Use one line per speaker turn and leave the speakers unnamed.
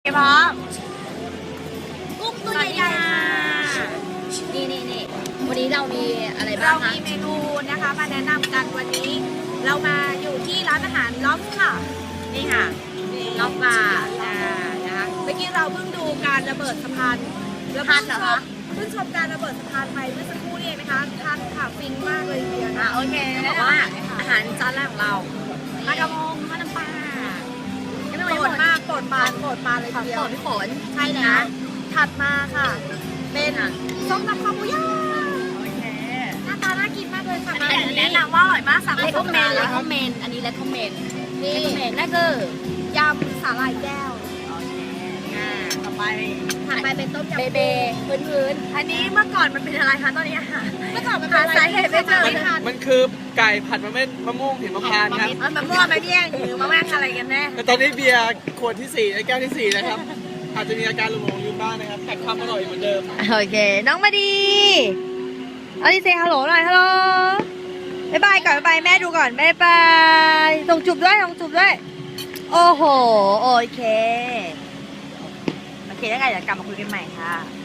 พร้อม
กุ้งตัวใหญ่ๆนี่วันนี้เรามีอะไรบ้า
เรา
งคะ
มีเมนูนะคะมาแนะนำกันวันนี้ เรามาอยู่ที่ร้านอาหารล็อบค่ะ
นี่ค่ะนอกปลานะคะ
เมื่อกี้เราเพิ่งดูการระเบิดสะพานแล้ว
ทันเหรอคะ
เพิ่งชมการระเบิดสะพานไปเมื่อสักครู่นี่เองนะคะทันค่ะฟินมากเลยทีเดียวนะ
โอเคแล้วบอกว่าอาหารจานแรกของเราปลากระพงทอดน้ำปลาไม่ต้อง
โปรดมากโปรดปานเลย
ข
ที
อง
เดีย
โปร
ว
ดพี่ฝน
ใช่แล้วถัดมาค่ะ เป็นส้มตำข้าวหมูย่าง
โอเค
หน้าตาน่ากินมากเลยค่ะ
อันนี้แนะนำว่าอร่อยมากสั่งเลคอมเมนอันนี้เลคอมเมนนั่นคือย
ำสาหร่ายแก้ว
โอเคต่อไป
ถัดไปเป็นต้มยำ
เบพื้นอันนี้เมื่อก่อนมันเป็นอะไรคะตอนนี้อาหาร
เมื่อก่อนมันเป็นอะไร
สาเหตุไม่เจอ
ไม่ทัน
มันคือไก่ผัดมะม่วงหิมพานต์ครับ
มันมั่วมาเนี่ยหรือมาแม่งอะไรกันแน่
แต่ตอนนี้เบียร์ขวดที่4แก้วที่4นะครับ อาจจะมีอาการหลงลืมบ้างนะครับแต่ความอร่อยเหมือนเดิม
โอเค น้องมาดีเอาดิเซฮัลโหลหน่อยฮัลโหลบ๊ายบายก่อนบ๊ายบายแม่ดูก่อนบ๊ายบายส่งจุบด้วยโอ้โหโอเคแล้วไงเดี๋ยวกลับมาคุยกันใหม่ค่ะ